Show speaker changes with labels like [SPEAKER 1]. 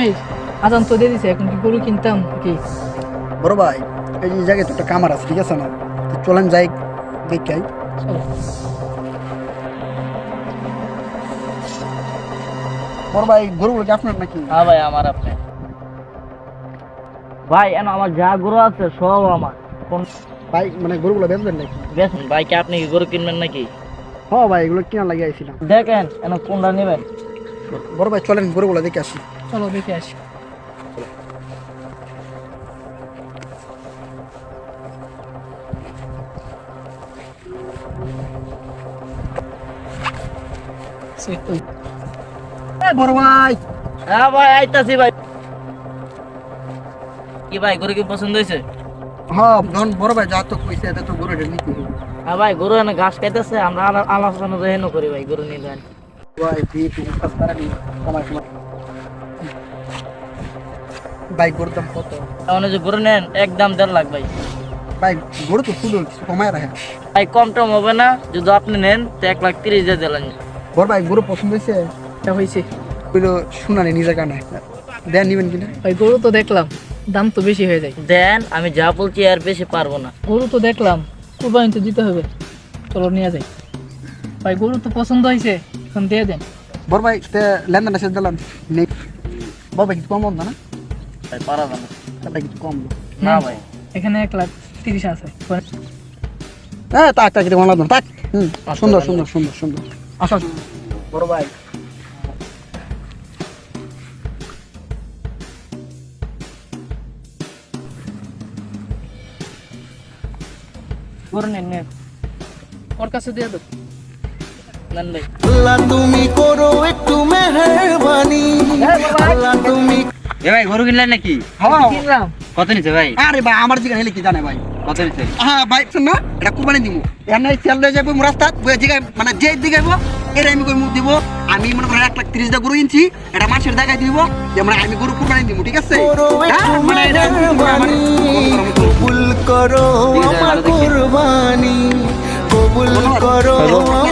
[SPEAKER 1] সময় আজান তো দিয়ে দিছে, এখন কি গরু কিনতাম কি?
[SPEAKER 2] বড় ভাই এই যে জায়গায় তো একটা কামার আছে, ঠিক আছে না? তো চলেন যাই দেখাই।
[SPEAKER 1] চলো।
[SPEAKER 2] বড় ভাই গরুগুলো কি আপনার নাকি?
[SPEAKER 3] হ্যাঁ ভাই, আমার আপনি ভাই এন আমার যা গরু আছে সব আমার। কোন
[SPEAKER 2] ভাই মানে গরুগুলো বেচবেন নাকি?
[SPEAKER 3] বেচুন ভাই, কি আপনি কি গরু কিনবেন নাকি?
[SPEAKER 2] হ্যাঁ ভাই এগুলো কিনা লাগিয়ে আইছিলাম।
[SPEAKER 3] দেখেন এন কোনটা নেবেন।
[SPEAKER 2] বড় ভাই চলেন গরুগুলো দেখে আসি।
[SPEAKER 1] চলো দেখে আসি।
[SPEAKER 2] বড় ভাই
[SPEAKER 3] হ্যাঁ ভাই আইতাছি ভাই। কি ভাই গরু কি পছন্দ হয়েছে?
[SPEAKER 2] হ্যাঁ ধন বড় ভাই যা তো কইছে এত তো গরুটা নিতে হবে।
[SPEAKER 3] হ্যাঁ ভাই গরু এনে ঘাস খাইতেছে, আমরা আলোচনা যেন করি ভাই গরু নিয়ে যান।
[SPEAKER 2] ভাই দিয়ে তুমি কাজ করা নি কমাই কমাই। ভাই গরুর দাম কত?
[SPEAKER 3] তাহলে যে গরু নেন একদম 1.5 লাখ ভাই।
[SPEAKER 2] ভাই গরু তো ফুল কিছু কমায় রাখে।
[SPEAKER 3] ভাই কম টম হবে না, যদি আপনি নেন তো 1,30,000 দিয়ে দিলেন।
[SPEAKER 2] বড় ভাই গরু পছন্দ হয়েছে?
[SPEAKER 1] এটা হয়েছে
[SPEAKER 2] কইলো শুনানি নিজের কানে দেন নিবেন কিনা?
[SPEAKER 1] ভাই, গরু তো দেখলাম, দাম তো বেশি হয়ে যায়।
[SPEAKER 3] দেন, আমি যা বলছি আর বেশি পারবো না।
[SPEAKER 1] গরু তো দেখলাম, কুরবানি তো দিতে হবে, চলো নিয়ে যাই। ভাই গরু তো পছন্দ হয়েছে, এখন দিয়ে দেন।
[SPEAKER 2] বড় ভাই লেনদেনটা শেষ দিলাম নেই। বড় ভাই কিছু কম না? না
[SPEAKER 3] ভাই পারা যাবে না।
[SPEAKER 2] তাহলে কিছু কম
[SPEAKER 3] না ভাই।
[SPEAKER 1] এখানে 1,30,000 আছে।
[SPEAKER 2] হ্যাঁ তাক তাক এটা বাংলা তাক। সুন্দর সুন্দর সুন্দর সুন্দর। আসো বড় ভাই
[SPEAKER 3] গরু নেন নেন
[SPEAKER 1] ওর কাছে দিয়ে দেবো।
[SPEAKER 3] নেন ভাই।
[SPEAKER 4] আল্লাহ তুমি করো একটু মেহেরবানি, আল্লাহ তুমি।
[SPEAKER 3] এ ভাই গরু কিনলেন নাকি?
[SPEAKER 2] হ্যাঁ
[SPEAKER 1] কিনলাম।
[SPEAKER 3] কত নিছে ভাই?
[SPEAKER 2] আরে ভাই আমার জিগান হেলে কি জানে ভাই?
[SPEAKER 3] কত নিছে?
[SPEAKER 2] হ্যাঁ ভাই শুন না, এটা কুরবানি দিব। এর নাই তেল লয়ে যাবো রাস্তাত বই জিগাই মানে যে দিগাইব এর আমি কই মুখ দিব। আমি মনে করেন 1,30,000 টাকা গরু কিনছি, এটা মাসের জায়গায় দিব যে মানে আমি গরু কুরবানি দিব, ঠিক আছে? হ্যাঁ মানে এটা
[SPEAKER 4] মেহেরবানি, কবুল করো আমার কুরবানি, কবুল করো